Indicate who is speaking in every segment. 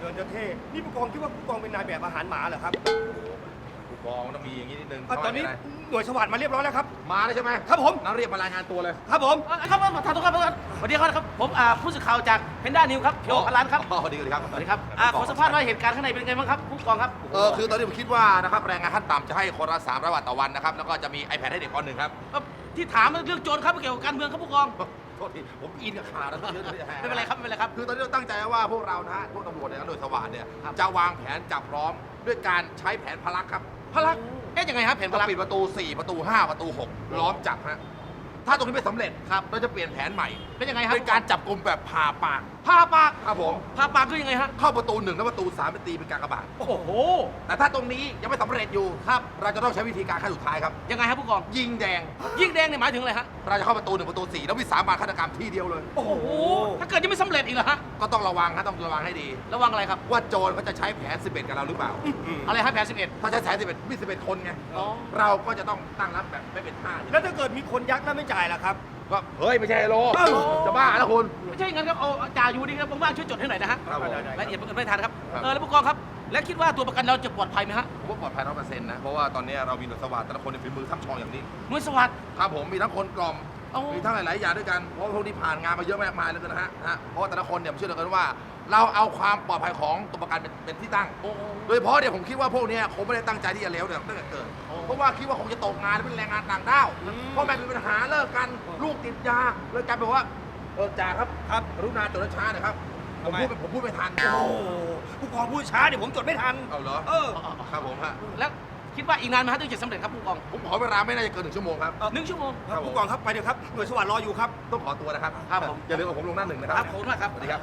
Speaker 1: ดินจะเท่นี่ผู้กองคิดว่าผู้กองเป็นนายแบบอาหารหมาเหรอครับ
Speaker 2: ผู้กองต้องมีอย่างนี้นิดนึง
Speaker 1: ตอนนี้หน่วยสวัสดิ์มาเรียบร้อยแล้วครับ
Speaker 2: มาแล้วใช่ไหม
Speaker 1: ครับผม
Speaker 2: งั้นเรียกมารายงานตัวเลย
Speaker 1: ครับผม
Speaker 3: ครับท่านทุกท่านสวัสดีครับผมผู้สื่อข่าวจากเพนด้านิวครับเพียวพลานครับ
Speaker 2: สวัสดีครับ
Speaker 3: สวัสดีครับขอสัมภาษณ์ว่าเหตุการณ์ข้างในเป็นไงบ้างครับผู้กองครับ
Speaker 2: คือตอนนี้ผมคิดว่านะครับแรงงานขั้นต่ำจะให้คนละ300 บาทต่อวันนะครับแล้วก็จะมี iPad ให้เด็กคนหนึ่งครับ
Speaker 3: ที่ถามเรื่องโจรครับเกี่ยวกับการเมืองครับผู้กอง
Speaker 2: โทษทีผมอินกับข่าวนะ
Speaker 3: ไม่เป็นไรครับไม่เป็นไรครับ
Speaker 2: คือตอนนี้เราตั้งใจว่าพวกเรานะฮะพวกตำรวจเนี่ยหน่วยสวัสดิ์เนี่ย
Speaker 3: ครับ
Speaker 2: จะวางแผนจับพร้อมด้วยการใช้แผนพลักครับ
Speaker 3: พลักยังไงครับแผนพ
Speaker 2: เรา
Speaker 3: ลัก
Speaker 2: ปิดประตู 4 ประตู 5 ประตู 6 ล้อมจับฮะถ้าตรงนี้ไม่สำเร็จครับเราจะเปลี่ยนแผนใหม่
Speaker 3: เป็นยังไงครับ
Speaker 2: เป็นการจับกลุ่มแบบผ่าปาก
Speaker 3: พาปาก
Speaker 2: ครับผม
Speaker 3: พาปากคือยังไงฮะ
Speaker 2: เข้าประตู 1 และประตู 3 เป็นตีเป็นกากบาท
Speaker 3: โอ้โห
Speaker 2: แต่ถ้าตรงนี้ยังไม่สำเร็จอยู่ครับ เราจะต้องใช้วิธีการขั้นสุดท้ายครับ
Speaker 3: ยังไงครับผู้กอง
Speaker 2: ยิงแดง
Speaker 3: ยิ่งแดงเนี่ยหมายถึงอะไรฮะ
Speaker 2: เราจะเข้าประตู 1 ประตู 4 แล้ววิสามันฆาตกรรมที่เดียวเลย
Speaker 3: โอ้โหถ้าเกิดยังไม่สำเร็จอีกเหรอฮะ
Speaker 2: ก็ต้องระวังฮะต้องระวังให้ดี
Speaker 3: ระวังอะไรครับ
Speaker 2: ว่าโจรเขาจะใช้แผน 11 กับเราหรือเปล่า
Speaker 3: อะไรฮะแผน11
Speaker 2: ถ้าใช้แผน 11 มี 11 คนไง
Speaker 3: อ๋อ
Speaker 2: เราก็จะต้องตั้งรับแบบไม่เป็นท่า
Speaker 1: แล้วถ้าเกิดมีคนยักแล้วไม่จ่ายล่ะครับ
Speaker 2: ก็เฮ้ย ไม่ใช่โล
Speaker 1: เอ้า
Speaker 2: จะบ้าแล้วคุณ
Speaker 3: ไม่ใช่งั้นครับเอาจ่าอยู่ดีครับว่างๆช่วยจดให้หน่อยนะฮะ
Speaker 2: ครับผม
Speaker 1: ได้
Speaker 3: รายละเอียดไม่ทันครับ
Speaker 2: ครับ
Speaker 3: แล้วผู้กองครับ และคิดว่าตัวประกันเราจะปลอดภัยไหมฮะ
Speaker 2: ผมว่าปลอดภัย100%นะ เพราะว่าตอนนี้เรามีหน่วยสวัสดิ์แต่ละคนในฝีมือท่ำชองอย่างนี้
Speaker 3: หน่วยสวัสดิ์
Speaker 2: ครับผมมีทั้งคนกล่อม
Speaker 3: โอ้
Speaker 2: มีทั้งหลายๆอย่างด้วยกัน เพราะว่าพวกนี้ผ่านงานมาเยอะมากมายแล้วกันนะฮะเพราะว่าแต่ละคนเนี่ยผมเชื่อเหลือเกินว่า เราเอาความปลอดภัยของตัวประกันเป็นที่ตั้ง
Speaker 3: โอ้
Speaker 2: โดยเฉพาะเนี่ยผมคิดว่าพวกเนี้ยคงไม่ได้ตั้งใจที่จะเลวเนี่ยตั้งแต่เกิด เพราะว่าคิดว่าคงจะตกงานเป็นแรงงานต่างด้าวพ่อแม่มีปัญหาเลิกกันลูกติดยาเลยกลายเป็นว่าจ่าครับ
Speaker 1: ครับ
Speaker 2: กรุณาจดช้าหน่อยครับผมพูดไม่ทัน
Speaker 1: โอ้โหผู้กองพูดช้าเดี๋ยวผมจดไม่ทัน
Speaker 2: เอาเหรอ ครับผมฮะ
Speaker 3: แล้วคิดว่าอีกนานไหมฮะถึงจะสำเร็จครับผู้กอง
Speaker 2: ผมขอเวลาไม่น่าจะเกิน1 ชั่วโมงครับ
Speaker 3: 1 ชั่วโมง
Speaker 1: ครับผู้กองครับไปเดี๋ยวครับหน่วยสวัสดิ์รออยู่ครับ
Speaker 2: ต้องขอตัวนะครับ
Speaker 3: ครับผม
Speaker 2: อย่าลืมเอาผมลงหน้า 1นะค
Speaker 3: ค
Speaker 2: รั
Speaker 3: รั
Speaker 2: บบ
Speaker 3: ผมมากครับ
Speaker 2: สวัสดีครับ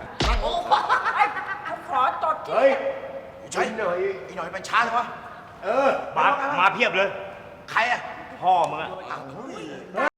Speaker 4: ขอจดที่
Speaker 5: เฮ้ยใช่หน่อยอีหน่อยมันช้าเลยวะมาเพียบเลย
Speaker 4: ใครอะ
Speaker 5: พ่อมึงอะ